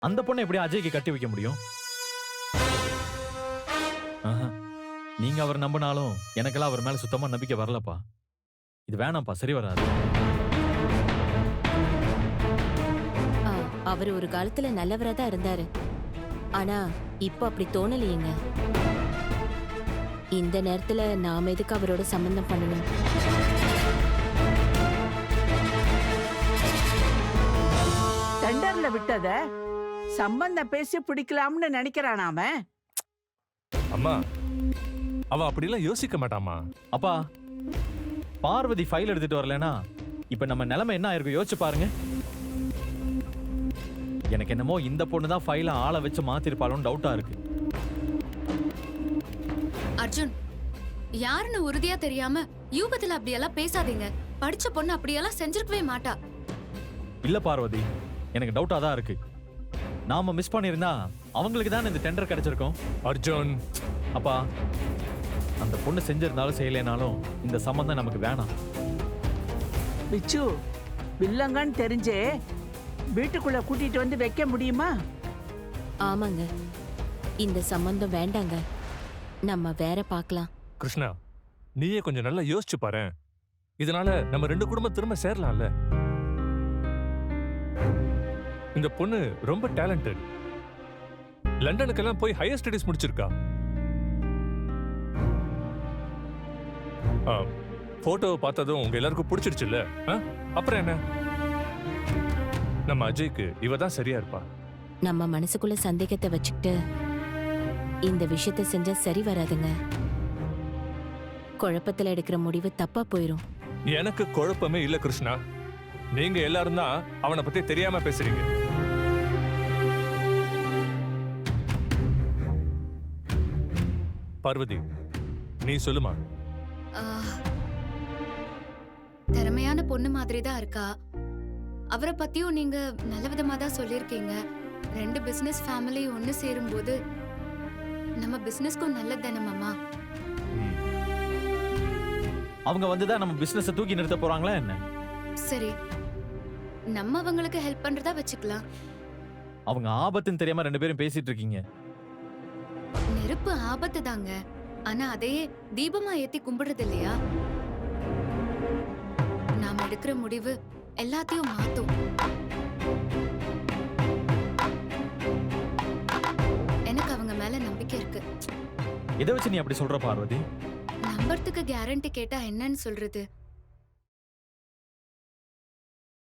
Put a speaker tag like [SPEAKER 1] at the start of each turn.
[SPEAKER 1] அந்த பொண்ணை எப்படி அஜய்க்கு கட்டி வைக்க முடியும்? ஆஹா. நீங்க அவர் நம்பினாலும் எனக்கெல்லாம் அவர் மேல சுத்தமா நம்பிக்கை வரலப்பா. இது வேணாம்ப்பா, சரி வராது.
[SPEAKER 2] அவர் ஒரு காலத்துல நல்லவரா தான் இருந்தாரு. ஆனா இப்ப அப்படி தோணலையேங்க. இந்த நேரத்துல நாம எதுக்கு அவரோட சம்பந்தம் பண்ணணும்?
[SPEAKER 3] டெண்டர்ல விட்டத சம்பந்தம் பேசி பிடிக்கலாம்னு நினைக்கிறான் அவன்.
[SPEAKER 4] அம்மா, அவ அப்படிலாம் யோசிக்க மாட்டாமா.
[SPEAKER 1] அப்பா, பார்வதி ஃபைல் எடுத்துட்டு வரலனா இப்ப நம்ம நிலைமை என்ன ஆயிருக்கும் யோசிச்சு பாருங்க. எனக்கு என்னமோ இந்த பொண்ணு தான் ஃபைலை ஆளை வச்சு மாத்திருப்பாளோன்னு டவுட்டா இருக்கு.
[SPEAKER 5] அர்ஜுன், யாருன்னு உறுதியா தெரியாம யூகத்துல அப்படியெல்லாம் பேசாதீங்க. படிச்ச பொண்ணு அப்படியெல்லாம் செஞ்சிருக்கவே மாட்டா.
[SPEAKER 1] இல்ல பார்வதி, எனக்கு டவுட்டா தான் இருக்கு. நாம மிஸ் பண்ணிருந்தா அவங்களுக்கு தான் இந்த டெண்டர் கிடைச்சிருக்கும்.
[SPEAKER 4] அர்ஜுன்,
[SPEAKER 1] அப்பா, அந்த பொண்ணு செஞ்சிருந்தாலும் செய்யலைனாலும் இந்த சம்பந்தம் நமக்கு வேணாம்.
[SPEAKER 3] பிச்சு, வில்லங்கன்னு தெரிஞ்சே வீட்டுக்குள்ள கூட்டிட்டு வந்து வைக்க முடியுமா?
[SPEAKER 2] ஆமாங்க, இந்த சம்பந்தம் வேண்டாங்க. நம்ம வேற பார்க்கலாம்.
[SPEAKER 4] கிருஷ்ணா, நீயே கொஞ்சம் நல்லா யோசிச்சு பாரு. இதனால நம்ம 2 குடும்பம் திரும்ப சேரலாம்ல. இந்த பொண்ணு ரொம்ப டேலண்டட். லண்டனுக்கெல்லாம் போய் ஹையர் ஸ்டடீஸ் முடிச்சிருக்கா. போட்டோவை பார்த்ததும் உங்க எல்லாருக்கும் பிடிச்சிருச்சுல்ல? அப்புறம் என்ன? நம்ம அஜய்க்கு இவ தான் சரியா இருப்பா.
[SPEAKER 2] நம்ம மனசுக்குள்ள சந்தேகத்தை வச்சுக்கிட்டு இந்த விஷயத்தை செஞ்சா சரி வராதுங்க. குழப்பத்துல எடுக்கிற முடிவு தப்பா போயிரும்.
[SPEAKER 4] எனக்கு குழப்பமே இல்ல கிருஷ்ணா. நீங்க எல்லாரும் தான் அவனை பத்தி தெரியாம பேசுறீங்க. பார்வதி, நீ சொல்லுமா.
[SPEAKER 5] திறமையான பொண்ணு மாதிரி தான் இருக்கா. அவரை பத்தியும் நீங்க நல்ல விதமா தான் சொல்லியிருக்கீங்க. 2 பிசினஸ் ஃபேமிலி ஒன்னு சேரும்போது நம்ம பிசினஸ்க்கும் நல்லது தானே மாமா.
[SPEAKER 1] அவங்க வந்துதான் நம்ம பிசினஸ் தூக்கி நிறுத்த போறாங்களா என்ன?
[SPEAKER 5] சரி, நம்ம அவங்களுக்கு ஹெல்ப் பண்றதா வச்சுக்கலாம்.
[SPEAKER 1] அவங்க ஆபத்துன்னு தெரியாம 2 பேரும் பேசிட்டு இருக்கீங்க.
[SPEAKER 5] நெருப்பு ஆபத்து தாங்க. ஆனா அதையே தீபமா ஏத்தி கும்பிடுறது இல்லையா? நாம எடுக்கிற முடிவு எல்லாத்தையும் மாத்தும். எனக்கு அவங்க மேல நம்பிக்கை இருக்கு.
[SPEAKER 1] இதை வச்சு நீ அப்படி சொல்ற பார்வதி?
[SPEAKER 5] நம்பறதுக்கு கேரண்டி கேட்டா என்னன்னு சொல்றது?